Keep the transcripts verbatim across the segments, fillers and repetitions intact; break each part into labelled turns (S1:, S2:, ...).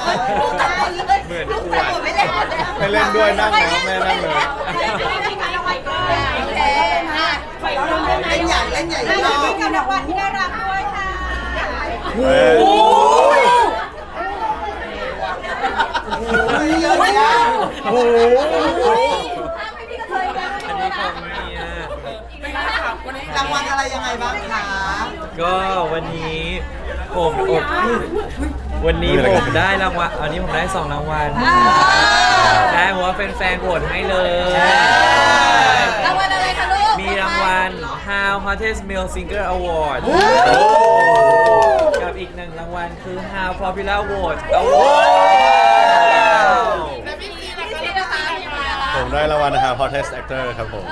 S1: เหมือนอวด
S2: ไม่เล่น
S3: ไม่เล่นด้วยนั่งนะแม่นั่งเลย
S2: เล่นใหญ่เล่นใหญ่เล่นใหญ่กับรางวัลที่ได้รับด้วยค่ะ
S3: โอ้ย
S2: เยอะเลยอ่ะ
S3: โอ้โห
S1: อันนี้ของเมีย
S2: รางวัลอะไรยังไงบ้างคะ
S1: ก็วันนี้ผมอบวันนี้ผมได้รางวัลอันนี้ผมได้สองรางวัลได้เพราะว่าเป็นแฟนๆโหวตให้เลย
S2: รางวัลอะไรคะลูก
S1: มีรางวัล How Hottest Male Singer Award กับอีกหนึ่งรางวัลคือ How Popular Vote Award
S3: ผมได้รางวัลนะครับ Hottest Actor ครับผม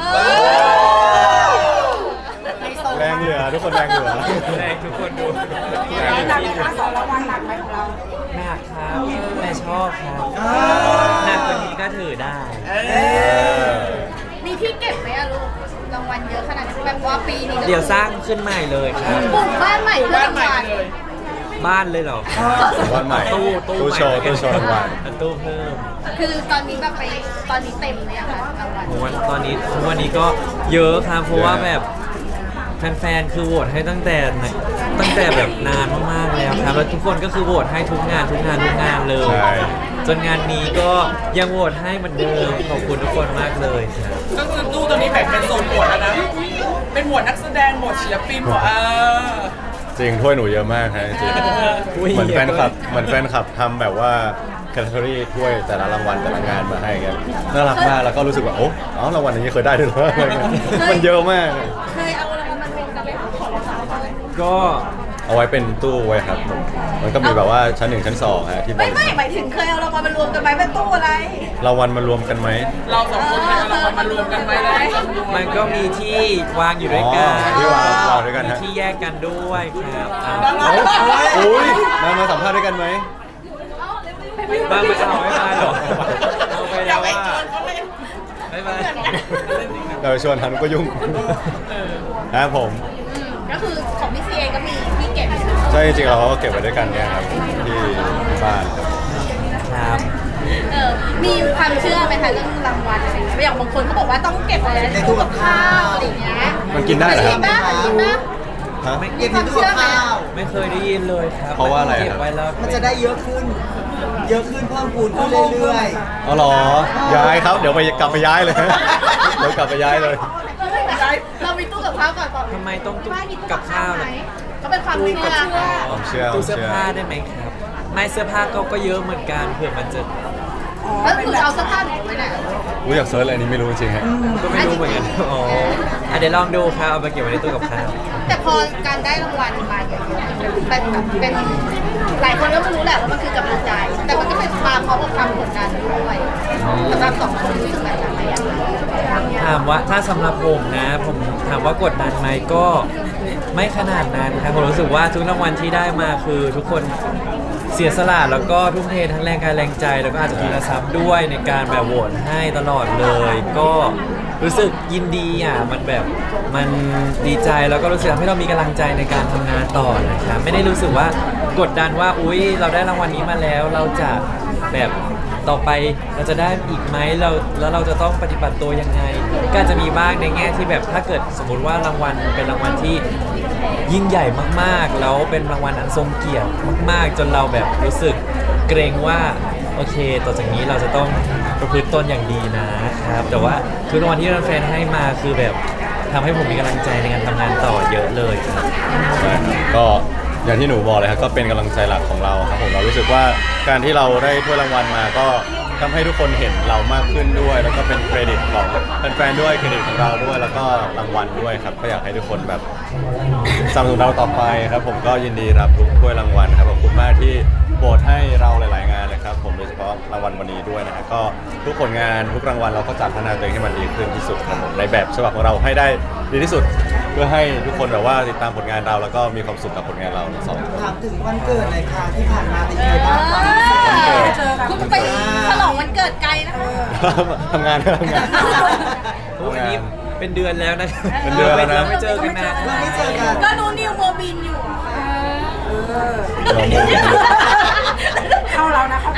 S3: แรงเหลือทุกคนแรงเหลือ
S1: แรงทุกคนดู
S2: หนักไหมคะสองรางวัลหนักไหมของเรา
S1: หนักครับแต่ชอบครับหนักกว่านี้ก็ถือได้
S4: มีที่เก็บไหมอะลูกรางวัลเยอะขนาดนี้แบบว่าปีนี้
S1: เดี๋ยวสร้างขึ้นใหม่เลยครับ
S4: ปลูกบ้านใหม่เพื่อรางวัล
S1: บ้านเลยเหรอ
S3: วันใหม่
S1: ตู้ตู้
S3: ตู้โชว์
S1: ใหม่
S3: ตู้โชว์รางวัล
S1: ตู้เพิ่ม
S4: คือตอนนี้แบบไปตอนนี้เต็มเลยอะค่ะรางวัล
S1: ผมว่าตอนนี้ทุกวันนี้ก็เยอะครับเพราะว่าแบบแฟนๆคือโหวตให้ตั้งแต่ไหนตั้งแต่แบบนานมากๆแล้วครับแล้วทุกคนก็คือโหวตให้ทุกงานทุกงานทุกงานเลย
S3: ใช่
S1: จนงานนี้ก็ยังโหวตให้เหมือนเดิมขอบคุณทุกคนมากเลยครับ
S5: ก็คือตู้ตัวนี้แบ่งเป็นโซนหมวดแล้วนะ เป็นหมวดนักแสดงหมวดศิลปินหมวดเออ
S3: จริงถ้วยหนูเยอะมากฮะจริงเหมือนแฟนคลับเหมือนแฟนคลับทำแบบว่าแคตตาล็อกถ้วยแต่ละรางวัลแต่ละงานมาให้กันน่ารักมากแล้วก็รู้สึกว่าโอ้อ๋อรางวัลอย่างนี้เคยได้ด้วยเหรออะไรเงี้ยมันเยอะมาก
S4: เคยเอารางวัลมารวมกันไหมคะของรางวัล
S1: ก็
S3: เอาไว้เป็นตู้ไว้ครับผมมันก็มีแบบว่าชั้นหนึ่งชั้นสองฮะที่บ
S2: ไม่
S3: ริ
S2: ไม่
S3: ษัท
S2: หมายถึงเคยเอารางวัลมารวมกันไหมเป็นตู้อะไร
S3: รางวัลมารวมกันไหม
S5: เราสองคนเคยเอารางวัลมารวมกันไหมได้จำนวน
S1: มันก็มีที่วางอยู่ด้วยกัน
S3: อ๋อที่วางวางด้วยกัน
S1: มี
S3: ฮะ
S1: ที่แยกกันด้วยครับ
S3: เอ้าอุ้ยมามาสัมภาษณ์ด้วยกันไหม
S1: บ้างไม่เอาไม่มาหรอกเอาไปแล้วว่าไม่มา
S3: เราไปชวนทันก็ยุ่งครับผม
S4: อืมก็คือของพี่ซีเองก็มีที่เก็บ
S3: ใช่จริงๆเราก็เก็บไว้ด้วยกันเนี่ยครับที่บ้านครับ
S1: ครับ
S4: เออมีความเชื่อไหมคะเรื่องรางวัลอะไรอย่างเงี้ยอย่างบางคนเขาบอกว่าต้องเก็บอะไรในตู้กับข้าวอะไรอย่างเงี้ย
S3: มันกินได้เหรอค
S4: จริ
S3: รับ
S4: งปะจริงปะ
S3: ฮะ
S1: ไม่
S2: เก็บในตู้กับข้าว
S1: ไม่เคยได้ยินเลยครับ
S3: เพราะว่าอะไรครับ
S1: เก็บไว้แล้ว
S2: มันจะได้เยอะขึ้น เยอะขึ้นเพิ่มพูนขึ้นเรื่อย
S3: อ๋อเหรอย้ายครับเดี๋ยวไปกลับไปย้ายเลยเดี๋ยวกลับไปย้ายเลย
S4: เรามีตู้กับข้าวก่อนก่อน
S1: ทำไมต้องตู้
S4: บ้านมีตู้
S1: กับข้าว
S4: ไหม
S1: ล่ะ
S4: ก็เป็นความเชื่อ
S3: ผมเชื่อผ
S1: ตู้
S3: ม
S1: เสื้อ
S3: เชื่อ
S1: ผ้าได้ไหมครับ ไม่เสื้อผ้าก็ก็เยอะเหมือนกันเผื่อมันจะ
S4: แล้วคือเอาเสื้อผ้าหนูไว้ไหน
S3: รู้อยากเซิร์ชอะไรนี้ไม่รู้จริงๆฮะ
S1: ก็ไม่รู้เหมือนกันอ๋ออ่ะเดี๋ยวลองดูครับเอาไปเก็บไว้ในตู้กับข้าว
S4: แต่พอการได้รางวัลมาเยอะๆเป็นแบบเป็นหลายคนก็ไม่รู้แหละว่ามันคือกำลังใจ แต่มันก็เป็นความพร้อมกับความกดดันด้วยสำหรับสองคนรู้สึกแบบนั้นไหมอะ
S1: ถามว่าถ้าสำหรับผมนะ ผมถามว่ากดดันไหมก็ไม่ขนาดนั้นครับผมรู้สึกว่าทุกรางวัลที่ได้มาคือทุกคนเสียสละแล้วก็ทุ่มเททั้งแรงกายแรงใจแล้วก็อาจจะทุนทรัพย์ด้วยในการแบบโหวตให้ตลอดเลย ก็รู้สึกยินดีอ่ะมันแบบมันดีใจแล้วก็รู้สึกทำให้เรามีกำลังใจในการทำงานต่อนะครับไม่ได้รู้สึกว่ากดดันว่าอุ๊ยเราได้รางวัลนี้มาแล้ว เราจะแบบต่อไปเราจะได้อีกไหมเราแล้วเราจะต้องปฏิบัติตัวยังไงก็อาจจะมีบ้างในแง่ที่แบบถ้าเกิดสมมุติว่ารางวัลเป็นรางวัลที่ยิ่งใหญ่มากๆ แล้วเป็นรางวัลอันทรงเกียรติมากๆ จนเราแบบรู้สึกเกรงว่าโอเค ต่อจากนี้เราจะต้องประพฤติตนอย่างดีนะครับแต่ว่าทุกรางวัลที่แฟนๆให้มาคือแบบทำให้ผมมีกำลังใจในการทำงานต่อเยอะเลยครับ
S3: ใช่ครับก็อย่างที่หนูบอกเลยครับก็เป็นกำลังใจหลักของเราครับผมเรารู้สึกว่าการที่เราได้ถ้วยรางวัลมาก็ทำให้ทุกคนเห็นเรามากขึ้นด้วย แล้วก็เป็นเครดิตของแฟนๆด้วยเครดิตของเราด้วย แล้วก็รางวัลด้วยครับก็อยากให้ทุกคนแบบสนับสนุนเราต่อไปครับผมก็ยินดีรับทุกถ้วยรางวัลครับขอบคุณมากที่โหวตให้เราหลาย ๆ งานเลยครับผมโดยเฉพาะรางวัลวันนี้ด้วยนะฮะก็ทุกผลงานทุกรางวัลเราก็จัดพัฒนาตัวเองให้มันดีขึ้นที่สุดครับผมในแบบฉบับของเราให้ได้ดีที่สุด เพื่อให้ทุกคนแบบว่าติดตามผลงานเราแล้วก็มีความสุขกับผลงานเราทั้งสองคน
S2: ๆถามถึงวันเกิดหน่อยค่ะที่ผ่านมาเป็นยังไงบ้างคะ
S4: คุณไปฉลองวันเกิดไกลนะคะ
S3: ทำงานทำงาน
S1: โอ้ยอันนี้เป็นเดือนแล้วนะ
S3: เป็นเดือนแล้วนะ
S1: ราไม่เจอกันนาน
S2: เราไม่เจอกัน
S4: ก็นูนิวโมบินอยู่อะค่ะ
S3: เราโม
S2: เข้าเรานะเข้า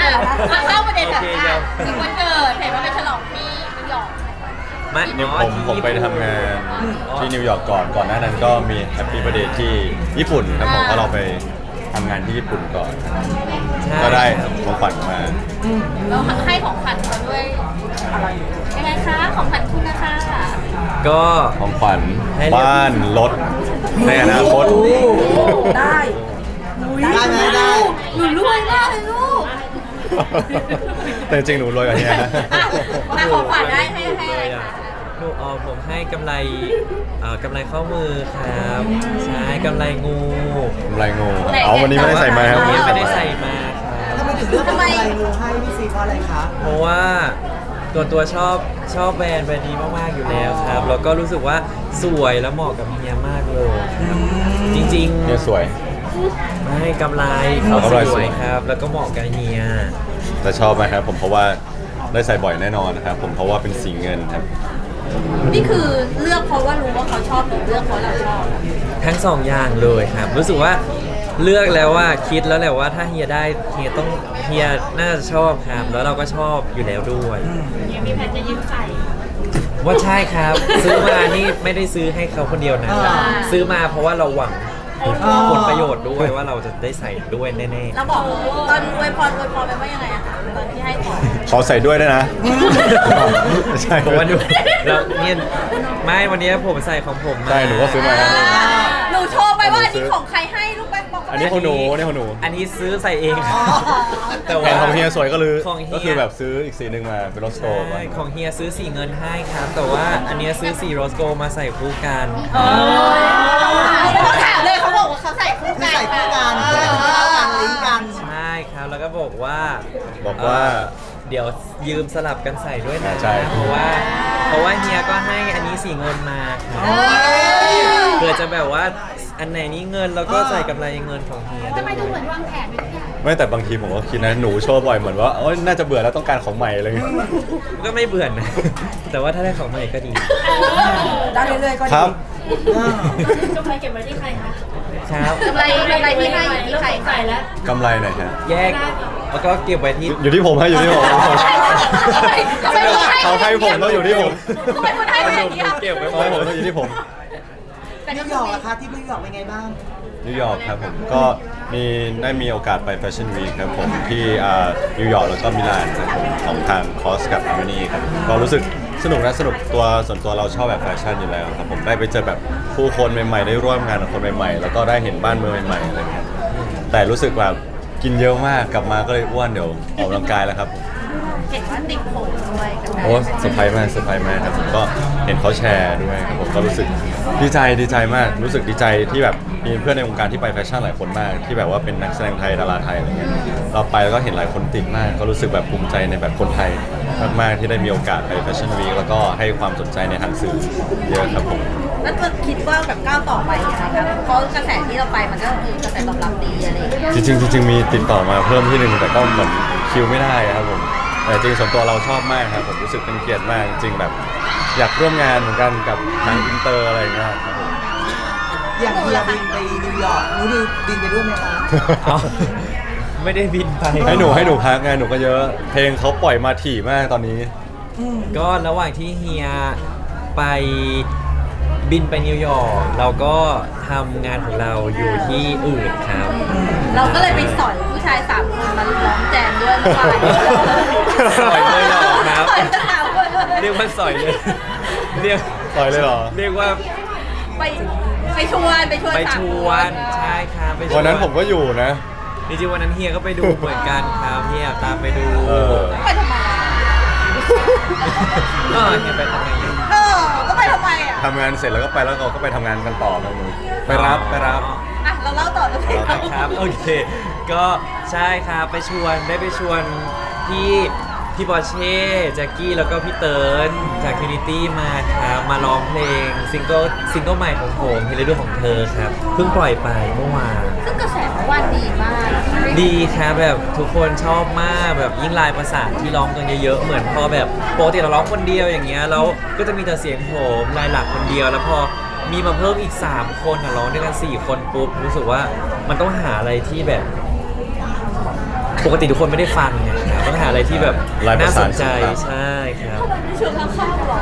S3: ผมผมไปทำงานที่นิวยอร์กก่อนก่อนหน้านั้นก็มีแฮปปี้ b บ r ร์ d เดย์ที่ญี่ปุ่นครับผมเพราะเราไปทำงานที่ญี่ปุ่นก่อน
S1: ใช่
S3: ก็ได้ของขวัญมา
S4: เราให้ของขวัญเขาด้วยอะไรยังไงคะของขวัญคุณนะคะ
S1: ก็
S3: ของขวัญ
S1: ให้เรียก
S3: บ้านรถในอนาคต
S2: ได้ ได้ไหมได้
S4: หนูรวยมากเลยลูก
S3: แต่จริงๆหนูรวยกว่านี้นะ
S4: มาของขวัญได้ให้ให้อะไรคะ
S1: หนูเอาผมให้กำไรเอ่อกำไรข้อมือครับใช่กำไรงู
S3: กำไรงูเอาวันนี้ไม่ได้ใส่มาครับ
S1: วัน
S3: วัน
S1: นี้
S3: นี้
S1: ไม่
S3: ใส่
S1: ได้
S3: มา
S1: ใส่มาครับ
S2: ทำไมถึงเลือกเป็นอะไรงูให้พี่ซีเพราะอะไรคะ
S1: เพราะว่าตัวตัวชอบชอบแบรนด์แบรนด์นี้มากๆอยู่แล้วครับแล้วก็รู้สึกว่าสวยแล้วเหมาะกับเฮียมากเลยครับจริง
S3: เนี่ยสวย
S1: ๆไม่กำไรเขา
S3: กำไร
S1: ส
S3: ส
S1: ว
S3: วย
S1: ยครับ แล้วก็เหมาะกับเฮีย
S3: แต่ชอบไหมครับผมเพราะว่าได้ใส่บ่อยแน่นอนนะครับผมเพราะว่าเป็นสีเงินครับ
S4: นี่คือเลือกเพราะว่ารู้ว่าเขาชอบหรือเลือกเพราะเราชอบ
S1: ทั้งสองอย่างเลยครับ รู้สึกว่าเลือกแล้วว่าคิดแล้วแหละว่าถ้าเฮียได้เฮียต้องเฮียน่าจะชอบครับ แล้วเราก็ชอบอยู่แล้วด้วย
S4: ยังมีแผนจะยืมใส่
S1: ว่าใช่ครับ ซื้อมานี่ไม่ได้ซื้อให้เขาคนเดียวนะ
S2: อ่า
S1: ซื้อมาเพราะว่าเราหวังผลประโยชน์ด้วยว่าเราจะได้ใส่ด้วยแน่
S4: เราบอกตอนอวยพรอวยพรไปว่ายังไงอะคะตอนที่ให้ของ
S3: ขอใส่ด้วยได้วยนะไม่ใช่
S1: ๆเพราะว่าดูเราเนี่ยไม่วันนี้ผมใส่ของผมมา
S3: ใช่หนูก็ซื้อมา
S4: หนูโชว์ไปว่าอันนี้ของใครให้ลูกไปบอก
S3: อันนี้ของหนูอันนี้ของหนู
S1: อันนี้ซื้อใส่เองครับแต่
S3: แผ
S1: ว่าน
S3: ของเฮียสวยก็เลย
S1: ของเฮีย
S3: ก็คือแบบซื้ออีกสีหนึ่งมาเป็นรถสโตร์มา
S1: ใช่ของเฮียซื้อสีเงินให้ครับ แต่ว่าอันเนี้ยซื้อสีโรสโกมาใส่คู่กัน
S4: เขาถามเลยเขาบอกว่าเขาใส่คู่
S2: คือ
S4: กัน
S2: ใส่คู่กันเพื่อให้เข้ากันลิงก์กัน
S1: ใช่ครับแล้วก็บอกว่า
S3: บอกว่า
S1: เอ่อเดี๋ยวยืมสลับกันใส่ด้วยนะ
S3: ใช่
S1: เพราะว่าเพราะว่าเฮียก็ให้อันนี้สีเงินมาครับเพื่อจะแบบว่าอันไหนนี้เงินแล้วก็ใส่กำไรเงินของเฮียด้วย
S3: ไม่แต่บางทีผมก็คิดนะหนูโชว์บ่อยเหมือนว่าโอ๊ยน่าจะเบื่อแล้วต้องการของใหม่อะไรอย่างเงี้ย
S1: ก็ไม่เบื่อนะ แต่ว่าถ้าได้ของใหม่ก็ดี
S2: ได้เรื่อยๆก็ดี
S3: ครับ
S6: กำไรเก็บไว้ที่ใครคะ
S1: ครับ
S4: กำไรกำไรที่ให้อยู่ที่ใคร
S6: ใส่แล้ว
S3: กำไรหน่อยฮะ
S1: แยกแล้วก็เก็บไว้ที่
S3: อยู่ที่ผมฮะอยู่ที่ผม
S4: ทำไมคุณให้
S3: เขาให้ผมต้องอยู่ที่ผม
S4: ทำไมคุณให้
S1: ข
S4: ไป
S1: น
S4: อย่าม ง
S1: ผ
S4: เดียว
S1: มเก็บไว้หม
S3: เขา
S1: ด
S3: ให้ผม
S1: เล
S3: ต้อง
S1: ย
S3: อยู่ที่ผม
S4: แต่
S2: นิ
S4: ก็
S2: วยอร์กล่ะคะที่นิวยอร์กเป็นไงบ้าง
S3: นิวยอร์กครับผมก็มีได้มีโอกาสไปแฟชั่นวีคครับผมที่อ่านิวยอร์กแล้วก็มิลานครับผมของทางคอสกับอาร์เมนีครับก็รู้สึกสนุกนะสนุกตัวส่วนตัวเราชอบแบบแฟชั่นอยู่แล้วครับผมได้ไปเจอแบบผู้คนใหม่ๆได้ร่วมงานกับคนใหม่ๆ แล้วก็ได้เห็นบ้านเมืองใหม่ๆอะไรเงี้ยแต่รู้สึกแบบกินเยอะมากกลับมาก็เลยอ้วนเดี๋ยวออกกำลังกายแล้วครับผม
S4: เห็นว่าติดผมด้วยกันนะ
S3: โอ้เซอร์ไพรส์มากเซอร์ไพรส์มากครับผมก็เห็นเขาแชร์ด้วยครับผมก็รู้สึกดีใจดีใจมาก รู้สึกดีใจที่แบบมีเพื่อนในวงการที่ไปแฟชั่นหลายคนมาก ที่แบบว่าเป็นนักแสดงไทยดาราไทยอะไรเงี้ยเราไปแล้วก็เห็นหลายคนติดมาก ก็รู้สึกแบบภูมิใจในแบบคนไทยมากๆที่ได้มีโอกาสไปแฟชั่นวีคแล้วก็ให้ความสนใจในทางสื่อเยอะครับผม
S4: แล้วจะคิดว่าแบบก้าวต่อไปยังไงครับเพราะกระแสที่เราไปมันก็คือกระแสตอบรับดีอะไรอย่างเงี้ย
S3: จริงๆจริงๆมีติดต่อมาเพิ่มที่หนึ่งแต่ก็เหมือนคิวไม่ได้ครับผมแต่จริงๆส่วนตัวเราชอบมากครับผมรู้สึกเป็นเกียรติมากจริงๆแบบ อยากร่วมงานเหมือนกันกับทางอินเตอร์อะไรอย่างเงี้ยครับผม
S2: อย่างเฮียบินไปนิวยอร์กหนูดิวบินไปด้วยไหมคะ
S1: เอาไม่ได้บินไป
S3: ให้หนูให้หนูพักไงหนูก็เยอะเพลงเขาปล่อยมาถี่มากตอนนี้
S1: ก็ระหว่างที่เฮียไปบินไปนิวยอร์กเราก็ทำงานของเราอยู่ที่อื่นครับ
S4: เราก็เลยไปสอนผู้ชายสามคนมาร้องแจมด้วยเมื่อวาน
S1: สอยเลยเหรอครับ
S4: สอยกันสามคนเลย
S1: เรียกว่าสอยเลยเรียก
S3: ปล่อยเลยเหรอ
S1: เรียกว่า
S4: ไปไปชวนไปชวน
S1: ไป
S4: สาม
S1: ช
S4: ค
S1: วนใช่ครับไปช
S3: วันนั้นผมก็อยู่นะ
S1: จริงๆวันนั้นเฮียก็ไปดูเหมือนกันครับเฮียตามไปดู
S3: เออ
S4: ไปทำไมอะ
S1: เออเฮียไปทำไงอยู่
S4: เออก็ไปทำไมอ่ะ
S3: ทำงานเสร็จแล้วก็ไปแล้วเราก็ไปทำงานกันต่อกันเลยไปรับไปรับ
S4: อ่ะเราเล่าต่อเลย
S1: ครับโอเค ก็ใช่ครับไปชวนได้ไปชวนพี่พี่บอเช่แจ็คกี้แล้วก็พี่เติร์นจากทินิตี้มาครับมาร้องเพลงซิงเกิลซิงเกิลใหม่ของผมเพลงฤดูของเธอครับเพิ่งปล่อยไปเมื่อวาน
S4: ซึ่งกระแสเมื่อวานดีมาก
S1: ดีครับแบบทุกคนชอบมากแบบยิ่งลายประสานที่ร้องกันเยอะๆเหมือนพอแบบปกติเราร้องคนเดียวอย่างเงี้ยแล้วก็จะมีแต่เสียงผมลายหลักคนเดียวแล้วพอมีมาเพิ่มอีกสามคนอ่ะร้องด้วยกันสี่คนปุ๊บรู้สึกว่ามันต้องหาอะไรที่แบบ ปกติทุกคนไม่ได้ฟังไงครับต้องหาอะไรที่แบบ
S3: ลายประ
S1: น่าส
S3: สาน
S1: นใจ
S3: ครับ
S1: ใช่ครับ
S4: ชวนข้างๆหรอ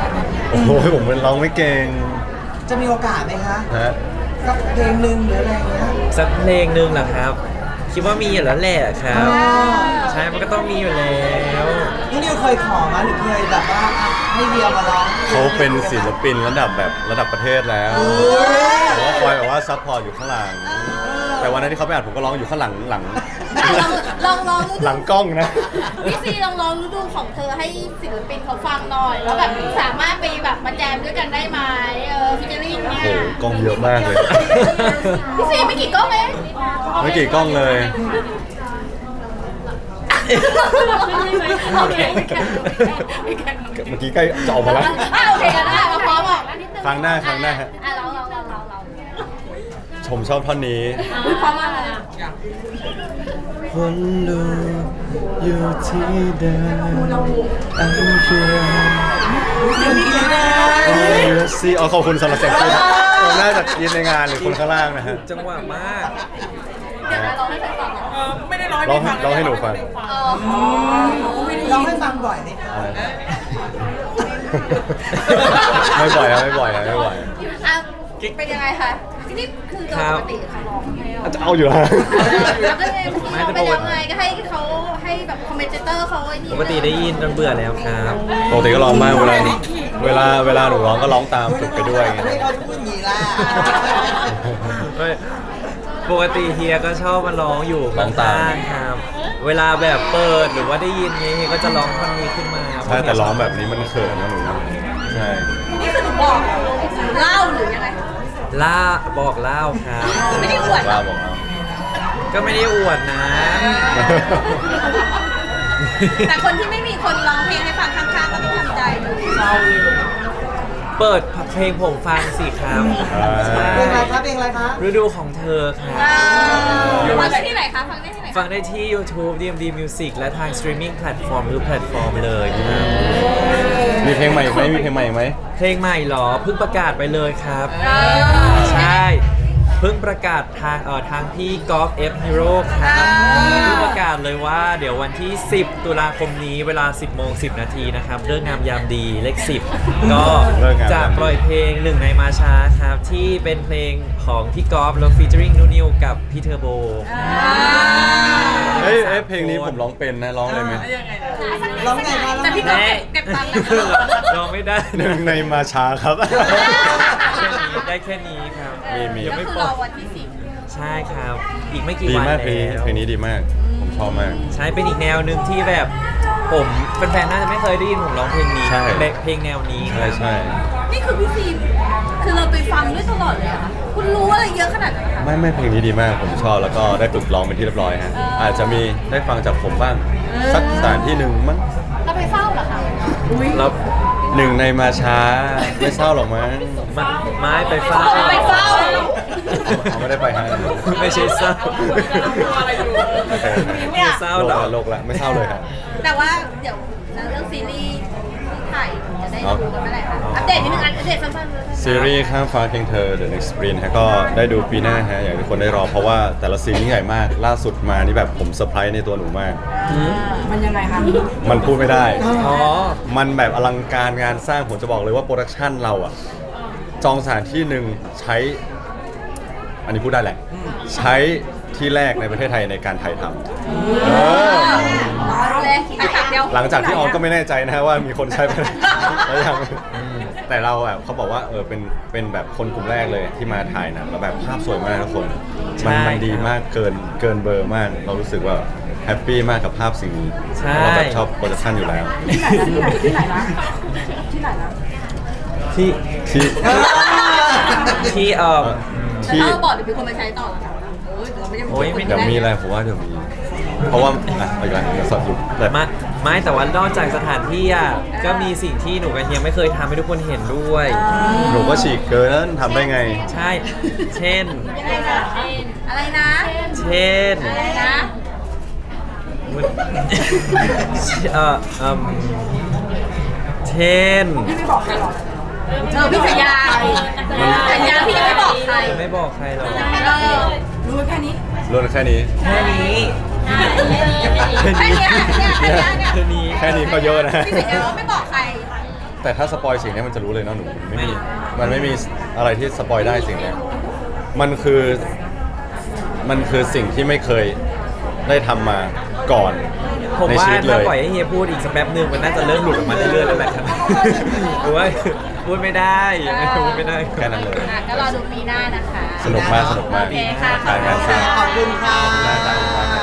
S3: โอ้โหผมเป็นร้องไม่เก่ง
S2: จะมีโอกาสไหมคะ
S3: ฮะ
S2: สักเพลงหนึ่งหรืออะไรอย่างเงี้ย
S1: สักเพลงหนึ่งเหรอครับ คิดว่ามีอยู่แล้วแหละครับ ใช่มันก็ต้องมีอยู่แล้ว
S2: นี่นิวเคยขอมาหรือเคยแบบว่าอ่ะให้เวียมาร้อง
S3: เขาเป็นศิลปินระดับแบบระดับประเทศแล้วผมว่าคอยแบบว่าซัพพอร์ตอยู่ข้างหลัง แต่วันนั้นที่เขาไปอัดผมก็ร้องอยู่ข้างหลังหลัง
S4: ลองลอง
S3: หลังกล้องนะ
S4: พี่ซีลองลองฤดูของเธอให้ศิลปินเขาฟังหน่อยแล้วแบบสามารถไปแบบมาแจมด้วยกันได้ไหมเออฟิชเชอริ่งเนี่
S3: โอ้
S4: ย
S3: โหกล้องเยอะมากเลย
S4: พี่ซีไม่กี่กล้องเอง
S3: ไม่กี่กล้องเลย
S4: โอเคโอเค
S3: เมื่อกี้ใกล้จะออกมาแล้ว
S4: อ่ะโอเคกันได้มาพร้อมอ่ะ
S3: ครั้งหน้าครั้งหน้าฮะ
S4: อ่ะลองลองลองลองลอง
S3: ชมชอบท่อนนี้
S4: พร้อมมากเลย
S3: คนดูอยู่ที่เดิมอันเพียงซีอ๋อขอบคุณสำหรับเสียงพูดผมน่าจะยินในงานหรือคนข้างล่างนะฮะ
S1: จังหวะมาก
S4: เดี๋ยวนะลองให้ใครฟัง
S5: เออไม่ได้ร้อง
S3: ร้อง
S5: ให้ฟัง
S3: ร้องให้หนูฟัง
S4: อ๋อ
S2: ร้องให้ฟังบ่อยไหมคะ
S3: ไม่บ่อยครับไม่บ่อยครับไม่บ่อย
S4: อ่ะเป็นยังไงคะนี่คือโดยปกติเขาร้องไหมอ่ะ
S3: จะเอาอยู่แล้ว
S4: แล้วก็ไงเราไปยังไงก็ให้เขาให้แบบคอมเมนเตอร์เขาไอ้นี่
S1: ปกติได้ยินจนเบื่อแล้วครับ
S3: ปกติก็ร้องมากเวลาเวลาเวลาหนูร้องก็ร้องตามฝึกไปด้วยไง
S2: ไม่เขาจะพูดอย่างนี้ล่ะ
S1: ไม่ปกติเฮียก็ชอบมาร้องอยู่
S3: ร้องตาม
S1: ข้างๆครับ เวลาแบบเปิดหรือว่าได้ยินนี้เฮียก็จะร้องท่อนนี้ขึ้นมา
S3: ใช่แต่ร้องแบบนี้มันเขินนะหนูนะใช่
S4: นี่คือหนูบอกเล่าหรือยังไง
S1: ล่าบอกเล่าครับ
S4: ไม่ได้อวด
S3: ว่าบอกเอา
S1: ก็ไม่ได้อวดนะ
S4: แต่คนที่ไม่มีคนร้องเพลงให้ฟังข้างๆก็ต้องทำใจ
S1: เปิดเพลงผมฟังสิครับ
S3: อ่า
S2: เพลงอะไรคะเพลงอะไรคะ
S1: ฤดูของเธอครับ
S4: ฟังได้ที่ไหนคะ ฟังได้ที่ไหน
S1: ฟังได้ที่ YouTube ดี เอ็ม ดี Music และทาง streaming platform หรือแพลตฟอร์มเลยครับ
S3: มีเพลงใหม่อีกไหมมีเพลงใหม่อีกไหม
S1: เพลงใหม่เหรอ เพิ่งประกาศไปเลยครับ ใช่ เพิ่งประกาศทางเอ่อทางพี่กอล์ฟเอฟฮีโร่ครับเพิ่งประกาศเลยว่าเดี๋ยววันที่ สิบ ตุลาคมนี้เวลา สิบโมงสิบ นาทีนะครับเรื่องงามยามดีเลข สิบ ก็จะปล่อยเพลงหนึ่งในมาช้าครับ ที่เป็นเพลงของพี่กอล์ฟแล้วฟีเจอริงนูนิวกับพี่เทอร์โบ
S3: เอ้ยเอ้ยเพลงนี้ผมร้องเป็นนะร้องเลยไหม
S5: ยังไงนะ
S2: ร้องไงคะ
S4: แต่พี่ก็เก็บเก็บตังค์นะ
S1: ร้องไม่ได้
S3: หนึ่งในมาช้าครับ
S1: แค่นี้ได้แค่นี้ครับ
S3: มีมี
S1: ยัง
S4: ก็
S1: ไม่
S4: คือ
S1: ป
S4: ร
S1: ล่
S4: อ
S1: อย
S4: วันที่สิบ
S1: ใช่ครับ อีกไม่กี่
S3: ดี
S1: วัน
S3: มากเพลงนี้
S1: แล้ว
S3: เพลงนี้ดีมาก ผมชอบมาก
S1: ใช่เป็นอีกแนวหนึ่งที่แบบผมแฟนๆน่าจะไม่เคยได้ยินผมร้องเพลงนี้
S3: ใช่
S1: แบบเพลงแนวนี้
S3: ใช่ใช่
S4: นี่คือพี่ซีคือเราไปฟังด้วยตลอดเลยเหรอะคะคุณรู้อะไรเยอะขนาดนั้นคะ
S3: ไม่ไม่เพลงนี้ดีมากผมชอบแล้วก็ได้ฝึกร้องเป็นที่เรียบร้อยฮะอาจจะมีได้ฟังจากผมบ้างสักสถานที่หนึ่งมั้ง
S4: เราไปเฝ้าเหรอคะ
S1: แล้ว
S3: หนึ่งในมาช้าไม่เศร้าหรอกมั้ง
S1: มาไม้ไปฟ้า
S4: ไปเฝ้า
S3: เขาไม่ได้ไปฮะ
S1: ไม่ใช่เศร้า
S5: อะไรอยู่
S3: โอเค
S1: ไม่เศร้า
S3: โล
S1: หร
S3: ก
S1: อก
S3: ละโลกละไม่เศร้าเลยครับ
S4: แต่ว่าเดี๋ยวเรื่องซีรีส์ที่ถ่ายจะได้ดูกันเมื่อไหร่คะอัปเดตนิดนึงอัปเดตสั้นๆเลย
S3: ซีรีส์ข้ามฟ้าเคียงเธอ The Next Sprint ฮะก็ได้ดูปีหน้าฮะอยากให้ทุกคนได้รอเพราะว่าแต่ละซีนนี่ใหญ่มาก ล่าสุดมานี่แบบผมเซอร์ไพรส์ในตัวหนูมาก
S2: มันยังไงคะ
S3: มันพูดไม่ได้
S1: อ๋อ
S3: มันแบบอลังการงานสร้างผมจะบอกเลยว่าโปรดักชันเราอะจองสถานที่หนึ่งใช้ อันนี้พูดได้แหละ ใช้ที่แรกในประเทศไทยในการถ่ายทำเออ
S4: เอาเลยไปตัดเดียว
S3: หลังจากที่ออมก็ไม่แน่ใจนะฮะว่ามีคนใช้ไปแล้วยังแต่เราแบบเขาบอกว่าเออเป็นเป็นแบบคนกลุ่มแรกเลยที่มาถ่ายหนังแล้วแบบภาพสวยมากทุกคน มันมันดีมากเกินเกินเบอร์มาก เรารู้สึกว่าแฮปปี้มากกับภาพสิ่งนี้
S1: ใช่
S3: เราแบบชอบโปรดักชันอยู่แล้ว
S2: ที่ไหนนะที่ไหนนะ
S1: ที่
S3: ที่
S1: ที่เอ่อ
S3: ที่
S4: เราบอกเดี๋ยวมีคนมาใช้ต่อแล้วนะโอ้ยเราไม่ได้
S1: โอ้ยไม่
S3: เดี๋ยวมีอะไรผมว่าเดี๋ยวมี เพราะว่าอ่ะอีกแล้วเดี๋ยวสอบอยู่แต่
S1: มาไม่แต่ว่านอกจากสถานที่อ่ะก็มีสิ่งที่หนูกับเฮียไม่เคยทำให้ทุกคนเห็นด้วย
S3: หนูก็ฉีกเกินนั้นทำได้ไง
S1: ใช่ เช่น
S4: ยังไงนะอะไรนะ
S1: เช่น
S4: อะไรนะ
S1: เอ่อเอิ่มเช่น
S4: เออพี่สัญญาสัญญาพี่ยังไม่บอกใคร
S1: ไม่บอกใครหรอก
S4: เออ
S2: รู้แค่นี้
S3: รุ่นแค่นี้
S1: แค่นี้
S4: แค่เนี้ยเนี่ยแค่เนี้ยเนี่ย
S1: แค่นี้
S3: แค่นี้ก็เยอะนะ
S4: พี่สัญญาว่าไม่บอกใคร
S3: แต่ถ้าสปอยสิ่งนี้มันจะรู้เลยเนาะหนูไม่มีมันไม่มีอะไรที่สปอยได้สิ่งเนี้ยมันคือมันคือสิ่งที่ไม่เคยได้ทำมาก่อน
S1: ผม
S3: ใน
S1: ว่า
S3: ชีวิตเล
S1: ถ้าย ปล่อยให้เฮียพูดอีกสักแป๊บหนึงมันน่าจะเริ่มหลุดออกมาเรื่อยๆแล้วแหละครับหรือว่าพูดไม่ได้ยังไม่พูดไม่ได้
S3: แค่นั้นเลย
S4: อ่ะก็รอดูปีหน้านะคะ
S3: สนุกมากสนุกมาก
S4: โอเคค่ะ
S3: ถ่ายงานสร้าง
S2: ขอบคุณค่ะ
S3: ขอบคุณมากครับ